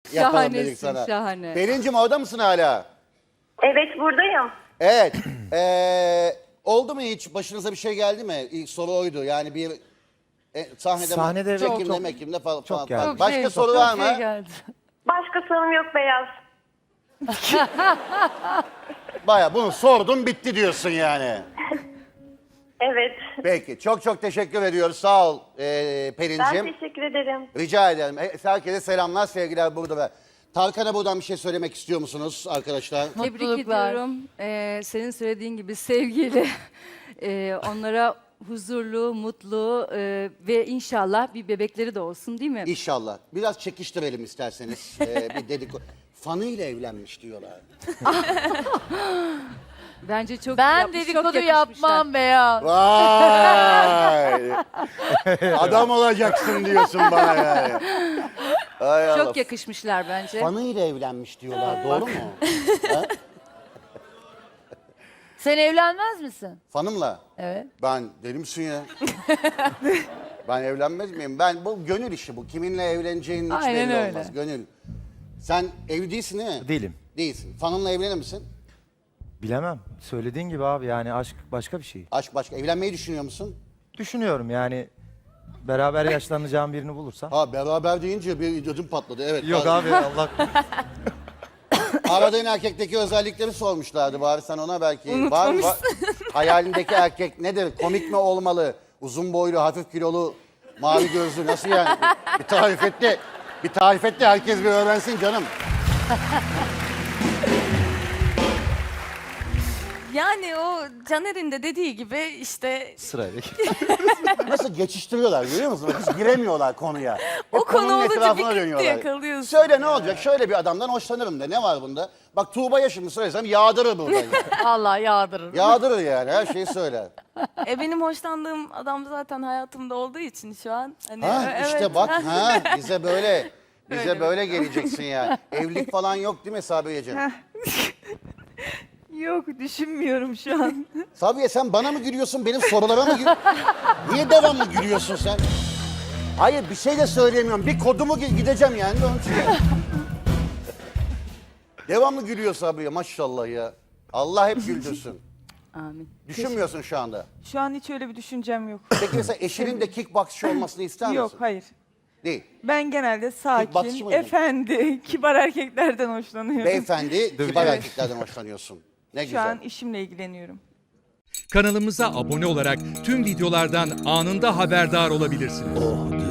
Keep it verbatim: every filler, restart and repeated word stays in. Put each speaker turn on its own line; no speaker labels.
yapalım dedik
Şahanesin,
sana.
şahane.
Pelin'cim orada mısın hala?
Evet buradayım.
Evet. Ee, oldu mu hiç? Başınıza bir şey geldi mi? İlk soru oydu. Yani bir e, sahnede,
Sahnede evet,
çekimde,
çok-
mekimde falan.
çok
falan.
geldi.
Çok
Başka
şey-
soru
çok
var mı?
şey geldi.
Başka sorun yok Beyaz.
Baya bunu sordum bitti diyorsun yani.
Evet.
Peki. Çok çok teşekkür ediyoruz. Sağ ol ee,
Ben
Pelin'cim.
teşekkür ederim.
Rica ederim. E, Herkese selamlar, sevgiler burada. Ve Tarkan'a buradan bir şey söylemek istiyor musunuz arkadaşlar?
Tebrik
Mutluluklar.
ediyorum. Ee, senin söylediğin gibi sevgiyle ee, onlara huzurlu, mutlu ee, ve inşallah bir bebekleri de olsun değil mi?
İnşallah. Biraz çekiştirelim isterseniz. Ee, bir dedikodu. Fanıyla evlenmiş diyorlar.
Bence çok
Ben
yapmış, çok
dedikodu
yakışmışlar.
yapmam Beyaz.
Vay! Adam olacaksın diyorsun bana yani. Ay Allah.
Çok yakışmışlar bence.
Fanıyla evlenmiş diyorlar. Doğru mu?
Sen evlenmez misin?
Fanımla.
Evet.
Ben deli misin ya? Ben evlenmez miyim? Ben bu gönül işi bu. Kiminle evleneceğin hiç
Aynen
belli
öyle.
olmaz. Gönül. Sen evli değilsin değil mi?
Değilim.
Değilsin. Fanınla evlenir misin?
Bilemem. Söylediğin gibi abi yani aşk başka bir şey.
Aşk başka. Evlenmeyi düşünüyor musun?
Düşünüyorum yani beraber yaşlanacağım birini bulursam.
Ha beraber deyince bir ödüm patladı. Evet.
Yok
Bak-
abi Allah
Aradığın erkekteki özellikleri sormuşlardı bari sen ona belki. Var mı? Var- Hayalindeki erkek nedir? Komik mi olmalı? Uzun boylu, hafif kilolu, mavi gözlü nasıl yani? Bir tarif et de, bir tarif et de herkes bir öğrensin canım.
Yani o Caner'in de dediği gibi işte
sırayla.
Nasıl geçiştiriyorlar görüyor musun? Hiç giremiyorlar konuya. Hep
O konu
konunun
olunca
etrafına
bir gitti
dönüyorlar.
yakalıyorsun.
Söyle ne olacak? Şöyle bir adamdan hoşlanırım de. Ne var bunda? Bak Tuğba'ya şimdi söylesem yağdırır burada.
Allah yağdırır.
Yağdırır yani her şeyi söyler.
e benim hoşlandığım adam zaten hayatımda olduğu için şu an. Hani,
Ha
e-
işte
evet.
bak ha bize böyle bize
Öyle.
böyle geleceksin yani. Evlilik falan yok değil mi Sabiyeciğim?
Yok düşünmüyorum şu an.
Sabiye sen bana mı gülüyorsun benim sorulara mı gülüyorsun? Niye devamlı gülüyorsun sen? Hayır bir şey de söyleyemiyorum. Bir kodumu gi- gideceğim yani de onun için. Devamlı gülüyor Sabiye maşallah ya. Allah hep güldürsün.
Amin.
Düşünmüyorsun şu anda.
Şu an hiç öyle bir düşüncem yok.
Peki mesela eşinin de kickboxçı olmasını ister misin?
Yok hayır.
Değil.
Ben genelde
Kickboxçı
sakin,
mıydın?
efendi, kibar erkeklerden hoşlanıyorum.
Beyefendi kibar erkeklerden hoşlanıyorsun. Ne
Şu
güzel.
an işimle ilgileniyorum.
Kanalımıza abone olarak tüm videolardan anında haberdar olabilirsiniz.